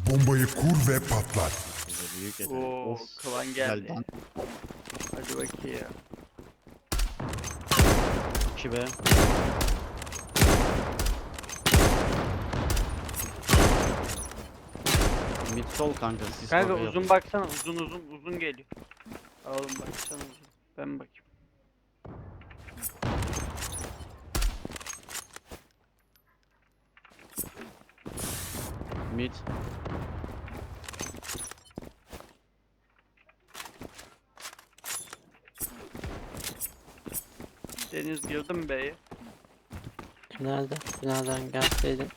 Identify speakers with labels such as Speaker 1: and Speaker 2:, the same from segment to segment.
Speaker 1: Bombayı kur ve patlat.
Speaker 2: Büyük yeter.
Speaker 3: Oo,
Speaker 2: Of.
Speaker 3: klan
Speaker 2: Güzel
Speaker 3: geldi. Hadi bakayım.
Speaker 2: 2 be. Mid sol kanka siz
Speaker 3: Kanka
Speaker 2: bakıyor.
Speaker 3: uzun baksana, uzun geliyor. Oğlum baksana uzun. Ben bakayım.
Speaker 2: Mid.
Speaker 3: Deniz girdi mi B'ye?
Speaker 4: Tünelde. Tünelden gelseydin.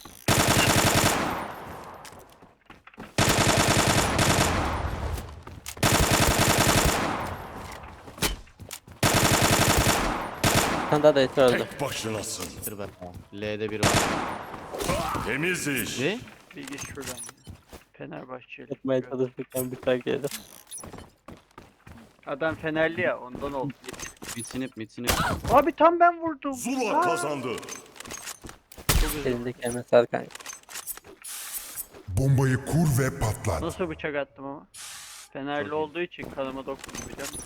Speaker 4: Kanda da eti öldü.
Speaker 1: Tek başınasın.
Speaker 2: Bitir be. L'de bir var.
Speaker 1: Temiz iş.
Speaker 2: Ne?
Speaker 3: Bir geç şuradan ya. Fenerbahçeli.
Speaker 4: Tutmaya çalışırken bıçak yedi.
Speaker 3: Adam Fenerli ya ondan oldu.
Speaker 2: Mid sinip mid sinip.
Speaker 3: Abi tam ben vurdum.
Speaker 1: Zula kazandı.
Speaker 3: Çok üzüldüm.
Speaker 4: Elindeki emesel kanka.
Speaker 1: Bombayı kur ve patlat.
Speaker 3: Nasıl bıçak attım ama? Fenerli
Speaker 2: Çok iyi.
Speaker 3: olduğu için kanıma dokundu biliyor musun?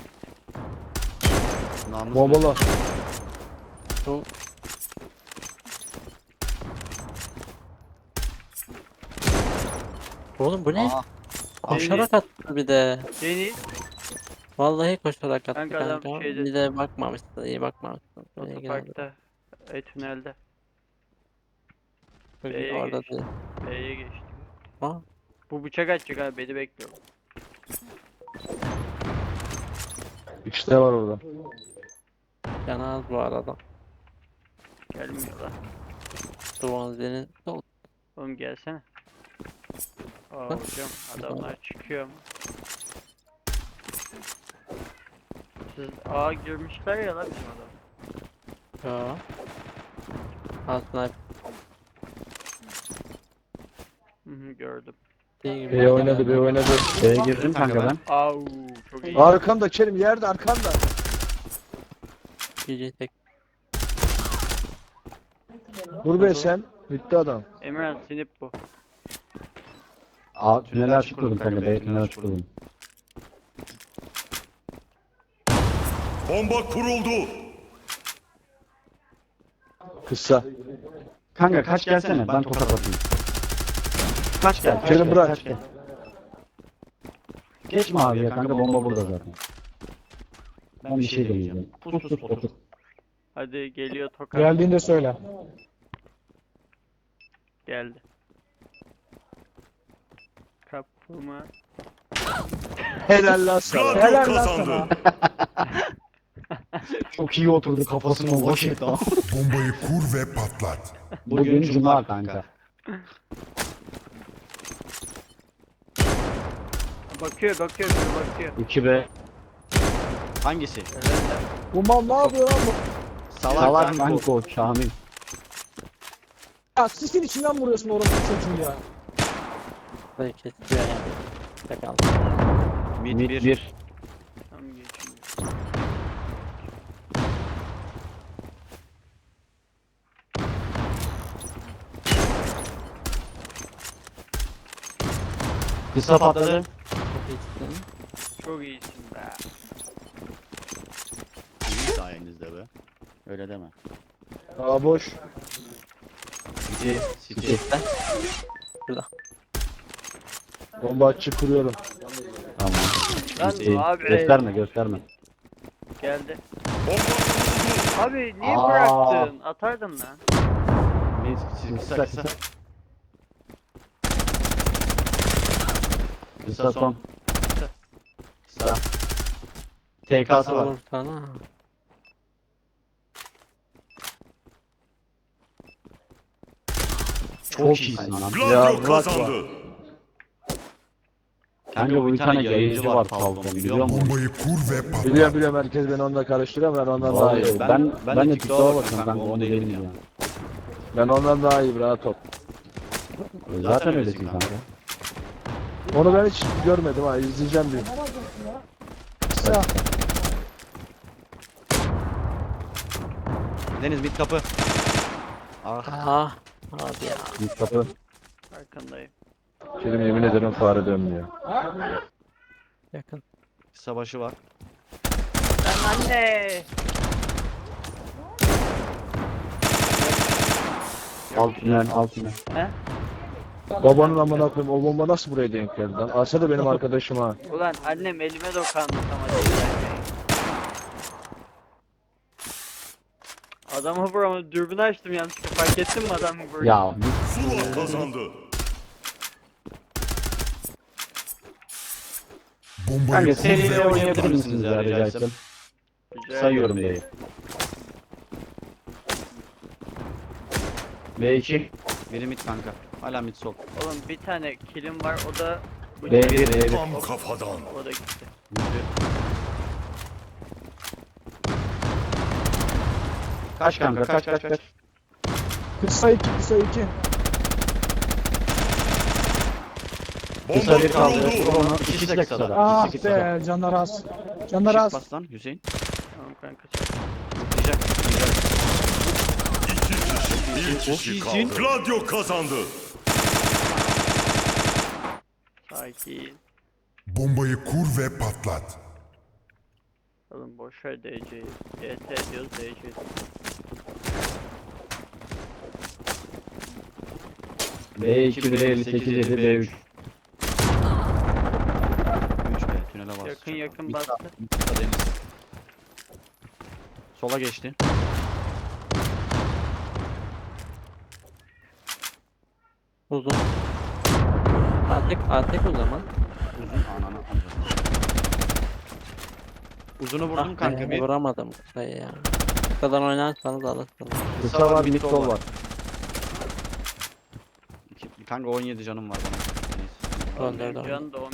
Speaker 2: Namus.
Speaker 5: Bombalı.
Speaker 4: Bu Oğlum bu ne?
Speaker 2: Aa,
Speaker 4: Koşarak attı bir de.
Speaker 3: Deniz
Speaker 4: Vallahi koşarak attı
Speaker 3: Kanka adam
Speaker 4: kanka.
Speaker 3: şeyde-
Speaker 4: Bir de bakmamışsın, iyi bakmamışsın. Buraya geldi.
Speaker 3: otoparkta. Tünelde.
Speaker 4: Bugün
Speaker 3: B'ye
Speaker 4: orada
Speaker 3: geçti.
Speaker 4: değil.
Speaker 3: B'ye geçti.
Speaker 4: Ha?
Speaker 3: Bu bıçak atacak abi beni bekliyorum.
Speaker 5: İşte var orada.
Speaker 4: Canı az bu arada.
Speaker 3: Gelmiyor lan.
Speaker 4: Swansea'nin sol.
Speaker 3: Oğlum gelsene. Aa
Speaker 4: Bak.
Speaker 3: hocam adamlar çıkıyor mu? Siz A girmişler ya lan bizim adam.
Speaker 4: Ya. Aslında
Speaker 3: Hı hı gördüm.
Speaker 4: şey gibi.
Speaker 5: B oynadı, B oynadı.
Speaker 2: B'ye girdim kanka ben.
Speaker 3: Au çok iyi.
Speaker 5: Arkamda Kerim, yerde arkanda.
Speaker 4: GG tek.
Speaker 5: Dur be sen. Bitti adam.
Speaker 3: Emirhan sinip bu.
Speaker 6: A tünel açık kurdum kanka. B tünel açık kurdum.
Speaker 1: Bomba kuruldu.
Speaker 5: Kısa.
Speaker 6: Kanka kaç gelsene ben tokat atayım. Kaç gel.
Speaker 5: Kerim
Speaker 6: kaç gel,
Speaker 5: bırak.
Speaker 6: kaç gel. Geçme abi ya kanka bomba burada zaten. Ben bir şey deneyeceğim. Pus pus otur.
Speaker 3: Hadi geliyor tokat.
Speaker 5: Geldiğinde söyle.
Speaker 3: Geldi. Kapıma.
Speaker 5: Helal lan sana.
Speaker 1: Gladio
Speaker 5: Helal lan
Speaker 1: kazandı.
Speaker 5: sana.
Speaker 6: Çok iyi oturdu kafasına boş etti ama.
Speaker 1: Bombayı kur ve patlat.
Speaker 6: Bugün cuma kanka.
Speaker 3: Bakıyor biri bakıyor.
Speaker 6: 2B.
Speaker 2: Hangisi?
Speaker 3: Helal lan.
Speaker 5: Bu mal ne yapıyor lan bu?
Speaker 6: Salak kanka Şamil.
Speaker 5: Ya sisin içinden vuruyorsun orası çocuğu ya.
Speaker 4: Burayı kesiyor yani. Tek aldı.
Speaker 2: Mid
Speaker 6: Mid
Speaker 2: 1.
Speaker 6: 1.
Speaker 3: Tam geçiyor.
Speaker 6: Kısa patladı.
Speaker 4: Çok iyisin.
Speaker 3: Çok iyisin be.
Speaker 2: İyi sayenizde be. Öyle deme.
Speaker 5: Aa boş.
Speaker 2: City. City.
Speaker 4: Şurada.
Speaker 5: Bomba açık kuruyorum.
Speaker 6: Tamam.
Speaker 3: Lan
Speaker 6: City.
Speaker 3: abi.
Speaker 6: Gösterme gösterme.
Speaker 3: Geldi.
Speaker 1: Bomba kuruldu.
Speaker 3: Abi niye
Speaker 6: Aa.
Speaker 3: bıraktın? Atardın lan.
Speaker 2: Mid kısa kısa.
Speaker 6: Kısa son.
Speaker 2: Kısa.
Speaker 6: TK'sı var.
Speaker 4: Olur sana.
Speaker 6: Çok iyisin lan.
Speaker 1: Gladio kazandı.
Speaker 6: Kanka bu bir tane yayıncı var Falcon biliyor musun?
Speaker 1: Bombayı kur ve patlat.
Speaker 5: Biliyorum herkes beni onunla karıştırıyor, ben ondan daha iyi.
Speaker 6: Vallahi ben de
Speaker 2: TikTok'a
Speaker 6: TikTok'a bakıyorum kanka onu değilim ya.
Speaker 5: Ben ondan daha iyiyim, rahat ol.
Speaker 6: Zaten öylesin kanka.
Speaker 5: Onu ben hiç görmedim ha, izleyeceğim bir. Kısa.
Speaker 2: Deniz mid kapı. Ah.
Speaker 4: Ah. Hadi ya.
Speaker 6: Mid kapı.
Speaker 3: Arkandayım.
Speaker 5: Kerim yemin ederim fare dönmüyor.
Speaker 4: Yakın.
Speaker 2: Kısa başı var.
Speaker 3: Lan anne.
Speaker 6: Alt tünel, alt tünel.
Speaker 3: He?
Speaker 5: Babanın amına koyayım, o bomba nasıl buraya denk geldi lan? Alsa da benim arkadaşım ha.
Speaker 3: Ulan annem elime dokandı ama değil. Adamı vuramadım. Dürbünü açtım yanlışlıkla. Fark ettin mi adamı vurdu?
Speaker 6: Ya
Speaker 1: Zula kazandı.
Speaker 6: kanka
Speaker 1: Bombayı kur
Speaker 6: seriyle
Speaker 1: ve
Speaker 6: oynayabilir
Speaker 1: patlat.
Speaker 6: misiniz ya rica etsem?
Speaker 3: Rica
Speaker 6: Sayıyorum B'yi. B2,
Speaker 2: Biri mid kanka. Hala mid sol.
Speaker 3: Oğlum bir tane kilim var o da bu
Speaker 6: B1, B1.
Speaker 1: Tam kafadan.
Speaker 3: o da gitti.
Speaker 2: Yürü. Kaç kanka kaç.
Speaker 5: Kısa 2, kısa 2.
Speaker 1: Bomba
Speaker 6: Kısa bir kaldı.
Speaker 1: kuruldu.
Speaker 6: Onu
Speaker 2: İkisi de kısada.
Speaker 7: Ah
Speaker 2: İkisi kısada.
Speaker 7: be canlar az. Canlar
Speaker 2: Shift
Speaker 7: az.
Speaker 2: bas lan Hüseyin.
Speaker 3: Tamam kanka.
Speaker 2: Zıplayacak.
Speaker 1: Bir kişi
Speaker 2: iyisin.
Speaker 1: kaldı. Gladio kazandı.
Speaker 3: Sakin.
Speaker 1: Bombayı kur ve patlat.
Speaker 3: Oğlum boşver DC'yi. DT diyoruz DC.
Speaker 6: B2, 158, 7, B3.
Speaker 2: 3 be tünele bas.
Speaker 3: Yakın yakın bastı.
Speaker 2: Kısa deniz. Sola geçti.
Speaker 4: Uzun. Atek o zaman.
Speaker 2: Uzun ananı alacağım. Uzunu vurdum kanka
Speaker 4: be,
Speaker 2: bir.
Speaker 4: Vuramadım kısayı ya. Bu kadar oynarsanız alırsınız.
Speaker 5: Kısa var, mid sol var.
Speaker 2: Kanka 17 canım var bana. Neyse.
Speaker 4: Öldürdüm.
Speaker 3: Can da 10.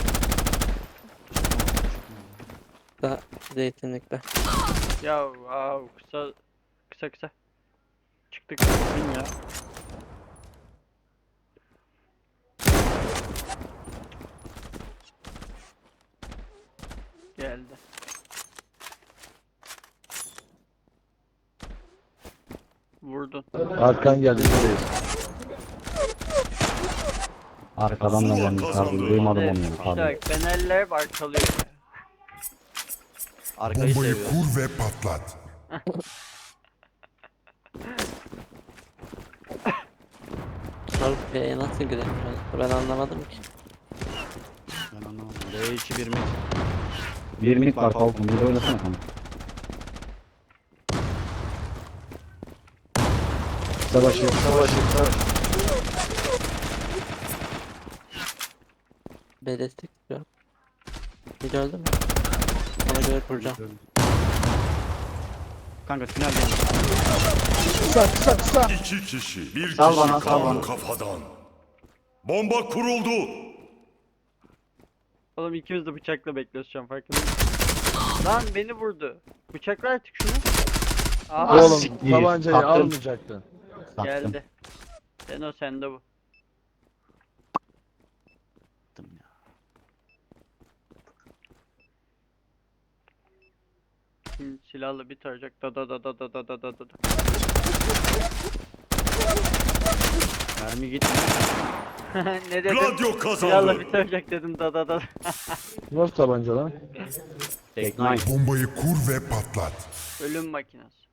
Speaker 4: Kısa zeytinlikte.
Speaker 3: Ya kısa. Çıktık.
Speaker 2: Ya.
Speaker 3: Geldi. Vurdun.
Speaker 5: Arkan geldi, buradayız.
Speaker 6: Arkadan da gelmiş abi. Duymadım onu. Pardon.
Speaker 3: İşte Fenerler hep arkalıyor.
Speaker 2: Arkayı
Speaker 1: Bombayı
Speaker 2: seviyor.
Speaker 1: kur ve patlat.
Speaker 4: Sarp B'ye nasıl giremiyoruz? Ben anlamadım ki.
Speaker 2: Ben anlamadım. D2 1 mid.
Speaker 6: Bir mid var Falcon. Bir de oynasana kanka.
Speaker 5: Savaşı, savaşı.
Speaker 4: B destek istiyorum. Bir öldü mü? Ona göre kuracağım.
Speaker 2: Kanka tünel geldi.
Speaker 7: Kısa.
Speaker 1: İki kişi. Bir
Speaker 6: Sal
Speaker 1: kişi
Speaker 6: bana, sal
Speaker 1: kaldı
Speaker 6: bana.
Speaker 1: kafadan. Bomba kuruldu.
Speaker 3: Oğlum ikimiz de bıçakla bekliyoruz şu an farkında mısın? Lan beni vurdu. Bıçakla artık şunu. Aha
Speaker 5: Oğlum
Speaker 6: siktir.
Speaker 5: tabancayı
Speaker 6: Attım.
Speaker 5: almayacaktın.
Speaker 6: Sattım.
Speaker 3: geldi. Sen o sende bu.
Speaker 2: Attım ya.
Speaker 3: Şimdi silahla bir tarayacak. Da.
Speaker 2: Mermi gitmiyor.
Speaker 3: Ne dedim?
Speaker 1: Gladio
Speaker 3: Silahla
Speaker 1: kazandı.
Speaker 3: bir tarayacak dedim. Da.
Speaker 5: Nasıl tabanca lan?
Speaker 2: Tek nine.
Speaker 1: Bombayı kur ve patlat.
Speaker 3: Ölüm makinesi.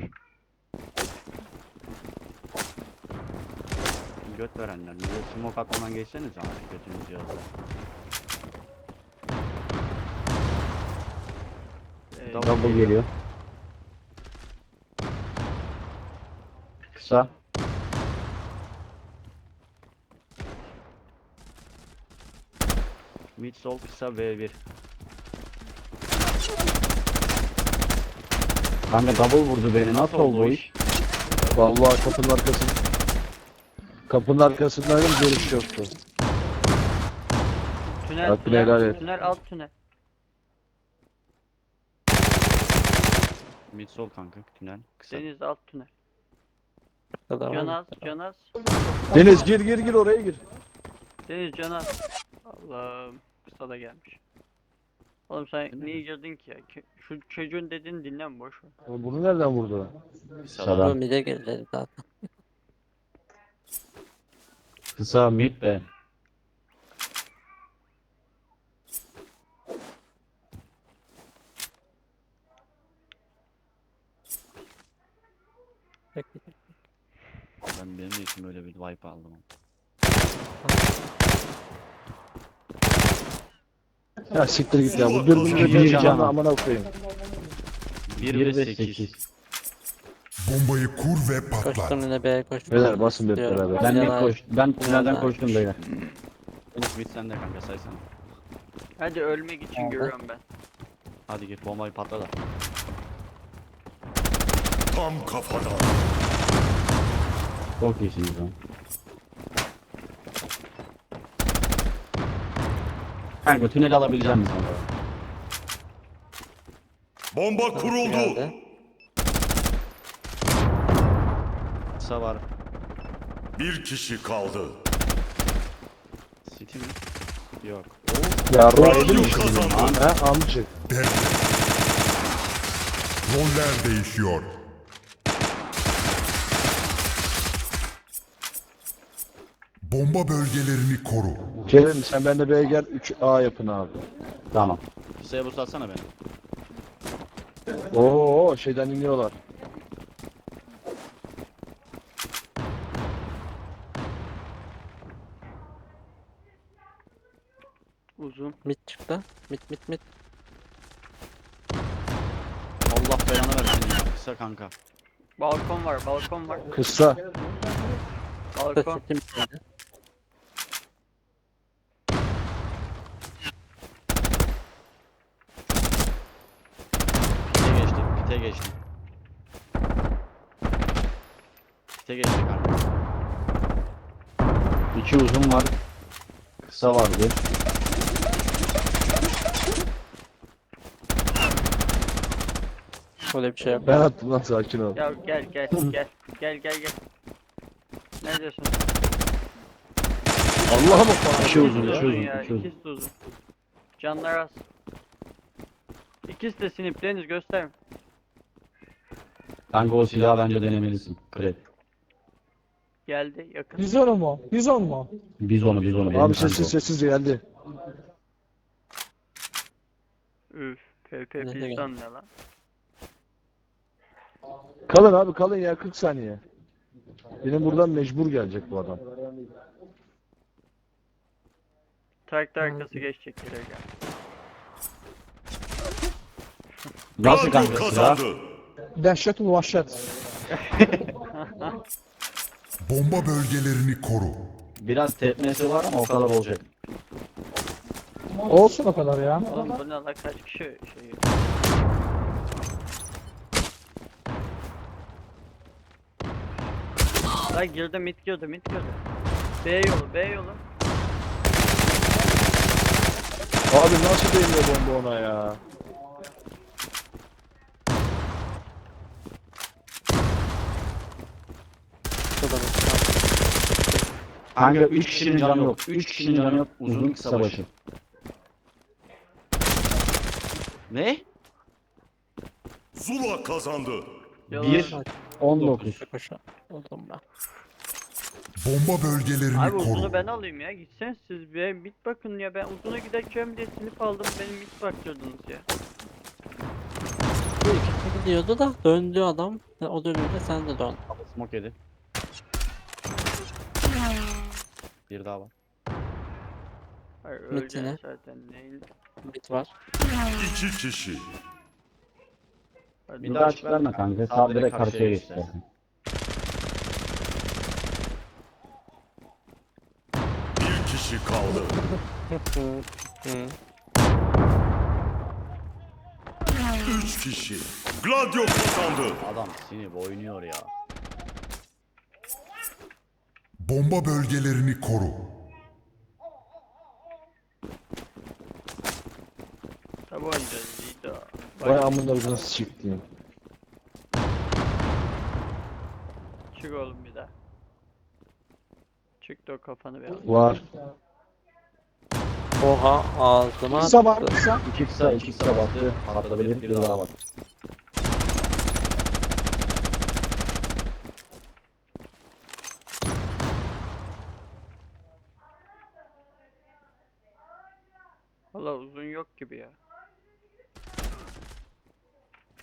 Speaker 2: Göt verenler. Bize smoke atmadan geçseniz abi götünüz cihazda.
Speaker 6: Double geliyor. Kısa.
Speaker 2: Mid sol kısa V1.
Speaker 6: Kanka double vurdu beni. Nasıl oldu o iş?
Speaker 5: Vallahi kapının arkasında. Kapının arkasındaydım, görüş yoktu.
Speaker 3: Tünel,
Speaker 5: Hakkını helal et.
Speaker 3: tünel alt tünel.
Speaker 2: Mid sol kanka tünel kısa.
Speaker 3: Deniz alt tünel.
Speaker 4: Kısa da var.
Speaker 3: Canaz.
Speaker 5: Deniz gir oraya gir.
Speaker 3: Deniz Canaz. Allah'ım. Kısa da gelmiş. Oğlum sen niye girdin ki ya? Şu çocuğun dediğini dinleme boş ver.
Speaker 5: Oğlum bunu nereden vurdu lan?
Speaker 6: Kısadan.
Speaker 4: Bu mid'e geldi zaten.
Speaker 6: Kısa mid be.
Speaker 2: wipe aldım.
Speaker 5: Ya siktir git ya. Bu dürbünü de
Speaker 6: Bir
Speaker 5: bir
Speaker 6: can.
Speaker 5: canlı amına koyayım.
Speaker 2: 1 ve 8.
Speaker 1: Bombayı kur ve
Speaker 4: Koştum
Speaker 1: patlat.
Speaker 4: yine B'ye koştum.
Speaker 5: Beyler basın hep
Speaker 4: Diyorum.
Speaker 5: beraber.
Speaker 6: Ben
Speaker 4: Yalan.
Speaker 6: net koştum. Ben tünelden
Speaker 4: Yalan.
Speaker 6: koştum beyler.
Speaker 2: Enes mid sende kanka saysana.
Speaker 3: Hadi ölmek için
Speaker 4: Oldu.
Speaker 3: görüyorum ben.
Speaker 2: Hadi git bombayı patla da.
Speaker 1: Tam kafadan.
Speaker 6: Çok iyisiniz lan. Kanka tünel alabileceğim misin?
Speaker 1: Bomba kuruldu.
Speaker 4: Geldi.
Speaker 2: Kısa var.
Speaker 1: Bir kişi kaldı.
Speaker 2: City mi? Yok.
Speaker 5: Ya
Speaker 1: Radyo
Speaker 5: Roy
Speaker 1: kazandı.
Speaker 5: ha amcık.
Speaker 1: Devre. Roller değişiyor. Bomba bölgelerini koru.
Speaker 5: Kerem sen benimle B'ye gel 3A yapın abi.
Speaker 6: Tamam.
Speaker 2: Kısaya boost atsana beni.
Speaker 5: Oo şeyden iniyorlar.
Speaker 3: Uzun.
Speaker 4: Mid çıktı. Mid.
Speaker 2: Allah belanı versin ya. Kısa kanka.
Speaker 3: Balkon var, balkon var.
Speaker 5: Kısa.
Speaker 3: Balkon.
Speaker 4: Sesim geldi.
Speaker 2: Pite geçti. Pite geçti. Pite geçti kanka.
Speaker 6: 2 uzun var. Kısa var bir.
Speaker 4: Öyle bir şey yok.
Speaker 5: Ben attım lan sakin ol.
Speaker 3: Ya gel. Gel. Neredesin?
Speaker 5: Allah'a bak bana.
Speaker 6: İki uzun,
Speaker 3: İkisi
Speaker 6: iki uzun,
Speaker 3: ya,
Speaker 6: iki uzun.
Speaker 3: ikisi de uzun. Canlar az. İkisi de sinip, Deniz göster.
Speaker 6: Kanka o silahı bence denemelisin. Krep.
Speaker 3: Geldi, yakın.
Speaker 7: Bizon mu? Bizon mu?
Speaker 6: Biz onu. benim
Speaker 5: Abi
Speaker 6: kanka o.
Speaker 5: sessiz geldi.
Speaker 3: Üf, PP
Speaker 4: Ne de
Speaker 3: piston ne lan?
Speaker 5: Kalın abi kalın ya 40 saniye. Benim buradan mecbur gelecek bu adam.
Speaker 3: Traktör arkası geçecek yere gel.
Speaker 6: Nasıl
Speaker 1: Radyo
Speaker 6: kanka silah?
Speaker 1: kazandı.
Speaker 7: Dehşetul vahşet.
Speaker 1: Bomba bölgelerini koru.
Speaker 6: Biraz tepmesi var ama o kadar olacak.
Speaker 7: Olsun o kadar ya.
Speaker 3: Oğlum bu ne lan, kaç kişi şey. Lan girdi, mid girdi. B yolu.
Speaker 5: Abi nasıl değmiyor bomba ona ya?
Speaker 4: Şurada bak.
Speaker 6: Kanka 3 kişinin canı yok. 3 kişinin canı yok. Uzun kısa başı.
Speaker 2: Ne?
Speaker 1: Zula kazandı.
Speaker 3: Yalan.
Speaker 6: 1 19.
Speaker 4: Koşa. Oldum ben.
Speaker 1: Bomba bölgelerini
Speaker 3: Abi uzunu
Speaker 1: koru.
Speaker 3: ben alayım ya. Gitsen siz bir mid bakın ya. Ben uzuna gideceğim diye sinip aldım. Benim mid bakıyordunuz ya.
Speaker 4: Bu ikisi gidiyordu da döndü adam. O dönünce sen de dön.
Speaker 2: Smoke yedi. Bir daha var.
Speaker 3: Hayır
Speaker 4: Mid
Speaker 3: öleceksin
Speaker 4: yine.
Speaker 3: zaten. Neyin?
Speaker 4: Mid var.
Speaker 1: 2 kişi.
Speaker 3: Hadi.
Speaker 6: Bir daha açık verme kanka. Sağ direkt karşıya geç istersen.
Speaker 1: Bir kişi kaldı.
Speaker 4: Hı.
Speaker 1: 3 kişi. Gladio kazandı.
Speaker 2: Adam sinip oynuyor ya.
Speaker 1: Bomba bölgelerini koru.
Speaker 3: Tabi oynayacağız Lido.
Speaker 5: Vay amına nasıl siktiğim.
Speaker 3: Çık oğlum bir daha. Çık da o kafanı bir al.
Speaker 5: Var.
Speaker 4: Oha ağzıma
Speaker 7: Kısa var.
Speaker 4: attı.
Speaker 7: Kısa.
Speaker 6: 2 kısa bastı. Patlatabilir. Bir daha var.
Speaker 3: Valla uzun yok gibi ya.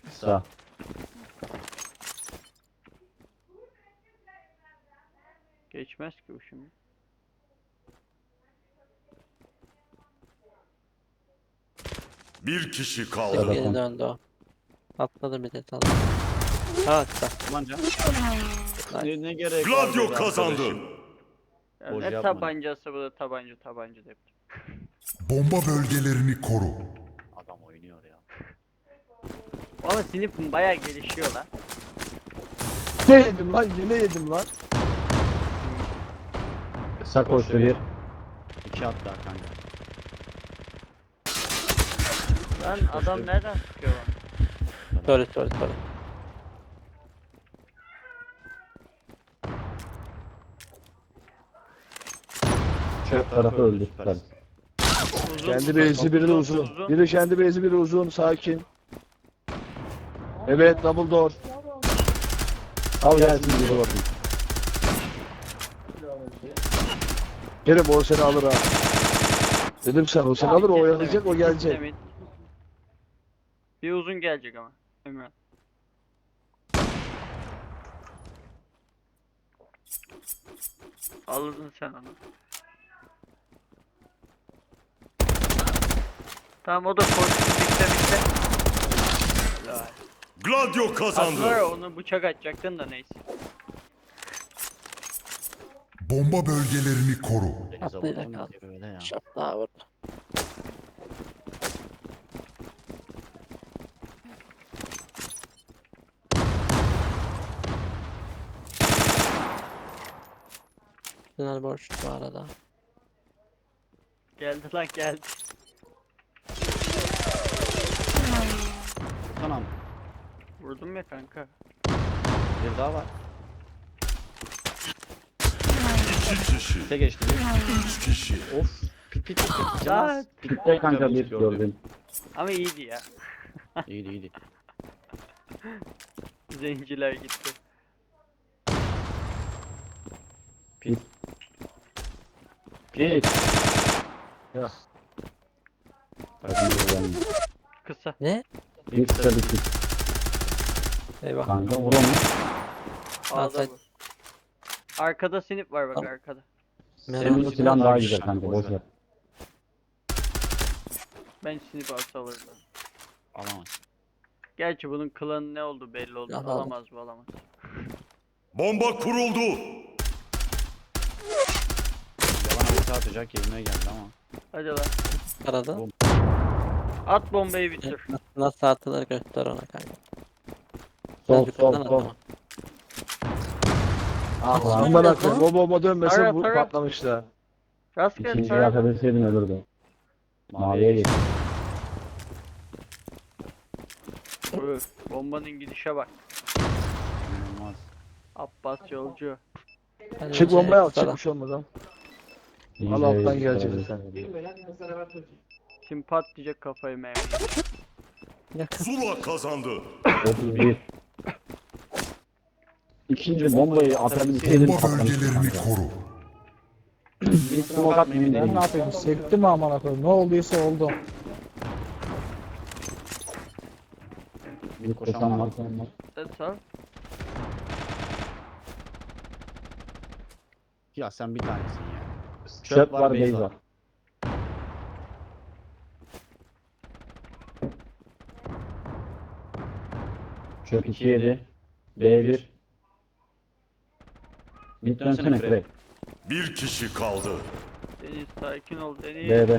Speaker 6: Kısa.
Speaker 3: Geçmez ki bu şimdi.
Speaker 1: Bir kişi kaldı.
Speaker 4: Geri döndü o. Atladı bir de atladı. Ha çıktı.
Speaker 2: Tabanca.
Speaker 3: Nice.
Speaker 2: Ne gerek var
Speaker 1: Gladio
Speaker 2: burada
Speaker 1: kazandı.
Speaker 2: arkadaşım?
Speaker 3: Ya
Speaker 2: Boş
Speaker 3: ne
Speaker 2: yapma.
Speaker 3: tabancası bu da tabanca da yaptım.
Speaker 1: Bomba bölgelerini koru.
Speaker 2: Adam oynuyor ya.
Speaker 3: Ama sinifim bayağı gelişiyor lan.
Speaker 5: Ne yedim lan? Yine yedim lan.
Speaker 6: Kısa koştu bir.
Speaker 2: 2 at daha kanka.
Speaker 3: Lan adam nereden sıkıyor lan?
Speaker 4: Sorry.
Speaker 6: Çöp tarafı öldü.
Speaker 2: Süper.
Speaker 3: Uzun,
Speaker 5: Kendi base'i biri de uzun. Biri kendi base'i biri uzun. Sakin. Evet, double door.
Speaker 6: Al gelsin biri bakın.
Speaker 5: Kerim o seni alır ha. Dedim sen o seni alır, o
Speaker 3: İkisi de
Speaker 5: oyalayacak,
Speaker 3: mid,
Speaker 5: o
Speaker 3: ikisi de
Speaker 5: gelecek.
Speaker 3: mid. Bir uzun gelecek ama. Emre. Alırdın sen onu. Tamam o da koştu bitti. Helal.
Speaker 1: Gladio
Speaker 3: Aslında
Speaker 1: kazandı.
Speaker 3: onu bıçak atacaktın da neyse.
Speaker 1: Bomba bölgelerini koru.
Speaker 2: Denize
Speaker 4: Atlayacak
Speaker 2: vurdum
Speaker 4: abi.
Speaker 2: diye böyle ya.
Speaker 4: Şap daha vurdu. Tünel boş bu arada.
Speaker 3: Geldi lan geldi.
Speaker 2: Tamam.
Speaker 3: Vurdum ya kanka.
Speaker 2: Bir daha var.
Speaker 1: İki kişi.
Speaker 2: Pite geçti bir.
Speaker 1: Üç kişi.
Speaker 2: Of. Pit.
Speaker 3: Lan.
Speaker 2: Canaz.
Speaker 6: Bitti kanka bir gördüm.
Speaker 3: Ama iyiydi ya.
Speaker 2: İyiydi.
Speaker 3: Zenciler gitti.
Speaker 6: Pit.
Speaker 5: Ya.
Speaker 3: Kısa.
Speaker 4: Ne?
Speaker 6: Bir kısa bir pit.
Speaker 4: Eyvah.
Speaker 6: Kanka vur onu.
Speaker 3: Ağda
Speaker 4: Alsaydı.
Speaker 3: bu. Arkada sinip var bak
Speaker 4: Tamam.
Speaker 3: arkada.
Speaker 6: Senin bu silahın daha güzel kanka boş ver.
Speaker 3: Ben sinip alsa alırdım.
Speaker 2: Alamaz.
Speaker 3: Gerçi bunun klanı ne oldu belli oldu.
Speaker 4: Alamaz.
Speaker 3: Alamaz bu alamaz.
Speaker 1: Bomba kuruldu.
Speaker 2: Yalan ulti atacak yerine geldi ama.
Speaker 3: Hadi lan.
Speaker 4: Arada.
Speaker 3: At bombayı bitir.
Speaker 4: Nasıl atılır göster ona kanka.
Speaker 6: Sol
Speaker 4: Yukarıdan
Speaker 6: sol
Speaker 4: atlama.
Speaker 6: sol. Ah lan.
Speaker 5: Aman akıllı, o bomba dönmese
Speaker 3: Tara,
Speaker 5: bu
Speaker 3: tara.
Speaker 5: patlamıştı.
Speaker 3: Rastgele
Speaker 6: İkinciyi
Speaker 3: tara.
Speaker 6: atabilseydin ölürdü. Maviye geç.
Speaker 3: Öf, bombanın gidişe bak.
Speaker 2: İnanılmaz.
Speaker 3: Abbas yolcu.
Speaker 4: Ben
Speaker 5: Çık
Speaker 4: önce
Speaker 5: bombayı al,
Speaker 4: kısadan.
Speaker 5: çıkmış olmadan.
Speaker 6: İyice
Speaker 5: Al alttan
Speaker 6: iyice
Speaker 5: gelecek
Speaker 6: iyice.
Speaker 5: sen.
Speaker 3: Şimdi patlayacak kafayı meyve.
Speaker 4: Yakın.
Speaker 1: Zula kazandı.
Speaker 6: 31. İkinci bombayı atabilseydin
Speaker 1: Bomba
Speaker 6: patlamıştı
Speaker 1: bölgelerini
Speaker 6: kanka.
Speaker 1: koru.
Speaker 6: Bir smoke atma emin
Speaker 7: Ben
Speaker 6: değilim.
Speaker 7: ne yapayım? Sektim mi amına koyayım? Ne olduysa oldu.
Speaker 6: Bir koşan var.
Speaker 3: That's all.
Speaker 2: Ya sen bir tanesin ya.
Speaker 6: Çöp var base var. Çöp 2 7. B1. Mid dönsene Frey.
Speaker 1: Bir kişi kaldı.
Speaker 3: Deniz sakin ol Deniz.
Speaker 6: B'de.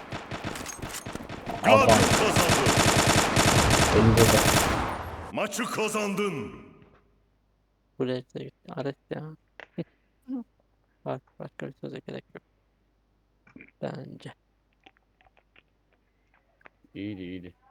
Speaker 1: Gladio
Speaker 6: Alfa.
Speaker 1: kazandı.
Speaker 6: Elinde de.
Speaker 1: Maçı kazandın.
Speaker 4: Buraya da gitti. Aret ya. Bak başka bir söze gerek yok. Bence.
Speaker 2: İyiydi.